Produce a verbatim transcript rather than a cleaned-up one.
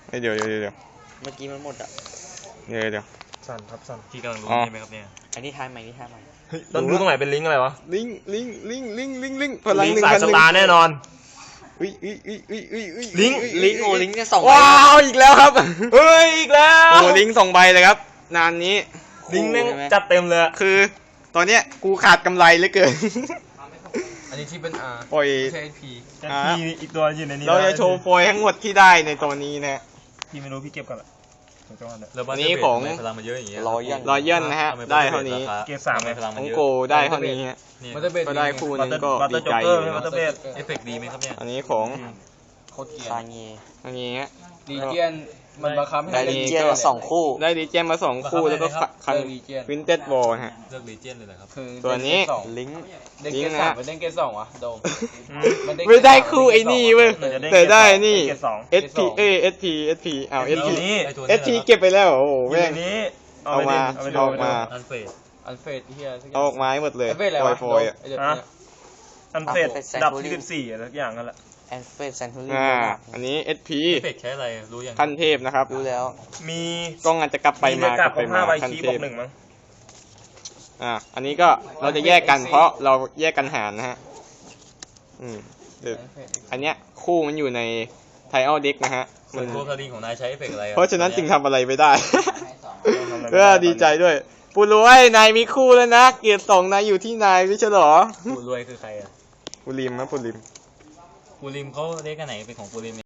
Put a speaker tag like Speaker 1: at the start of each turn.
Speaker 1: เดี๋ยวเดี๋ยวเดี๋ยว
Speaker 2: เมื่อกี้มันหมดอ่ะ
Speaker 1: เดี๋ยวเดี๋ยว
Speaker 3: สั่นครับสั่น
Speaker 4: พี่กำลังรู้
Speaker 1: อ๋อ
Speaker 4: ใช่ไหมครับเนี่ย
Speaker 2: อันนี้ทายใหม่นี่ทายใหม่
Speaker 3: เฮ้ยต้องดูตรงไหนเป็นลิงก์อะไรวะ
Speaker 1: ลิงลิงลิงลิงลิงลิงพลัง
Speaker 3: ลิง
Speaker 1: หนึ่ง
Speaker 3: ก์สาย
Speaker 1: พัน
Speaker 3: ส
Speaker 1: หนึ่ง
Speaker 3: ตาร์แน่นอน
Speaker 1: อุ้ยอุ้ยอุ้ยอุ้ยอุ้ยอุ้ย
Speaker 3: ลิงก์
Speaker 2: ลิงก์โอ้ลิงก์เนี่ยสองใบ
Speaker 1: ว้าวอีกแล้วครับ
Speaker 3: เฮ้ยอีกแล้ว
Speaker 1: โอ้ลิงก์สองใบเลยครับนานนี้
Speaker 3: ลิงก์แม่งจัดเต็มเลยอะ
Speaker 1: คือตอนเนี้ยกูขาดกำไรเหลือเกิน
Speaker 5: อันนี้ที่เป็น R
Speaker 1: ปล่อย
Speaker 5: ไม่ใช่ P
Speaker 3: แต่พี่อีกตัวอยู่ในนี้
Speaker 1: เราจะโชว์โฟยทั้งหมดที่ได้ในตัวนี้นะ
Speaker 3: พี่ไม่รู้พี่เก็บก่อนละถึงจังหวะเนี่ย
Speaker 4: แล้วบ้าน
Speaker 1: อันนี้
Speaker 4: เบส
Speaker 1: ของ
Speaker 4: ทำไมพลังมันเยอะอย่างเงี้ย
Speaker 2: รอยัน
Speaker 1: รอยเยนนะฮะ
Speaker 4: ทำม
Speaker 1: ได้เท่านี้
Speaker 4: ราค
Speaker 3: เกรดสาม
Speaker 4: ทำไมพลัง
Speaker 1: ข
Speaker 4: มัน
Speaker 1: อง
Speaker 4: เยอะ
Speaker 1: โกได้เท่านี้ฮะ
Speaker 4: เนี่ย
Speaker 5: มันจะเป็น
Speaker 1: ก็ได้คู่นึงก็
Speaker 3: บัตเต
Speaker 1: ดี
Speaker 3: อร์จ็
Speaker 1: ใจ
Speaker 3: อกเก
Speaker 1: อ
Speaker 3: อร์
Speaker 1: ยู่
Speaker 3: บัตเตอร์เบส
Speaker 4: เอฟเฟกต์ดีไหมครับเนี่ย
Speaker 1: อันนี้ของ
Speaker 5: โคตรเกลีย
Speaker 2: ซา
Speaker 5: ร์
Speaker 2: เงี
Speaker 1: อันนี้ฮะ
Speaker 5: ดีเจียนมันบังคับให้
Speaker 2: ได้
Speaker 5: เล่น
Speaker 2: ลิเจียนมาสองคู่
Speaker 1: ได้ดีเจมมาสองคู่แล้วก็คัน
Speaker 5: เออ Legion
Speaker 1: วินเต็ดบอลฮะ
Speaker 4: เลือกลีเจียนเลยเหรอครับ
Speaker 5: คือ
Speaker 1: ตัวนี้
Speaker 5: เล่เกรดสอง
Speaker 2: ลิงก์
Speaker 5: เล่นเกรดสามมันเล่นเกรดสองวะโดมนเล่นเกร
Speaker 1: ไม่ได้
Speaker 5: สาม
Speaker 1: คู่ไอ้นี่
Speaker 5: เล่
Speaker 1: เว้ย
Speaker 5: เกรดสอง
Speaker 1: แต่ได้นี่
Speaker 3: เกรดสอง
Speaker 1: เอส พี เอเอส พี เอส พีอ้าว เอส พี
Speaker 3: นี้
Speaker 4: ไอ้ตัว
Speaker 1: เอ
Speaker 4: นี้
Speaker 1: ส พี เก็บไปแล้วโอ้โห
Speaker 3: อยู่
Speaker 1: แม่
Speaker 3: ใน
Speaker 1: ง
Speaker 3: นี้
Speaker 1: เอามา
Speaker 3: เอาไปดู
Speaker 1: เอาออกมา
Speaker 4: อันเฟส
Speaker 5: อันเฟดเฮียสักอย่
Speaker 1: เอาออกมาให้หมดเลย
Speaker 5: อันเฟดอะไร
Speaker 1: ฟอ
Speaker 5: วะ
Speaker 1: ยฟอยอ่ะ
Speaker 5: ไอ้เด็ก
Speaker 3: ฮะ
Speaker 5: เนี่ย
Speaker 3: อันเฟดดับที่สิบสี่อะไรสักอย่างนั่นแหละ
Speaker 2: แอนเฟสแซนทูรี่
Speaker 1: อ่าอันนี้ เอส พี
Speaker 4: เอฟเฟกต์ใช้อะไรรู้ยัง
Speaker 1: ขั้นเทพนะครับ
Speaker 2: รู้แล้ว
Speaker 3: มี
Speaker 1: กล้องอาจจะกลับไปมาก
Speaker 3: กั
Speaker 1: ลั
Speaker 3: บบ ข
Speaker 1: ไป
Speaker 3: อง
Speaker 1: มา
Speaker 3: ห้าใบ
Speaker 1: ขั้น
Speaker 3: คี
Speaker 1: เท
Speaker 3: บว
Speaker 1: พ
Speaker 3: กหนึ่งมั้ง
Speaker 1: อ่าอันนี้ก็เราจะแยกกันเพราะเราแยกกันหารนะฮะอืมเดี๋ยว
Speaker 5: อันเฟด
Speaker 1: อันเนี้ยคู่มันอยู่ในไทออลเด็กนะฮะ
Speaker 4: ส่วนตัวคดีของนายใช้เอฟเฟกต์อะไรอ
Speaker 1: เพราะฉะนั้นจึงทำอะไรไม่ได้
Speaker 3: ทำอะไรไม่
Speaker 1: เออดีใจด้วยปูรวยนายมีคู่แล้วนะ เกียรติสองนายอยู่ที่นายไม่ใช่เหรอ
Speaker 4: ปูรวยคือใครอ่ะ
Speaker 1: ปูริมนะปูริม
Speaker 4: ปูริมเขาเรียกกันไหนเป็นของปูริม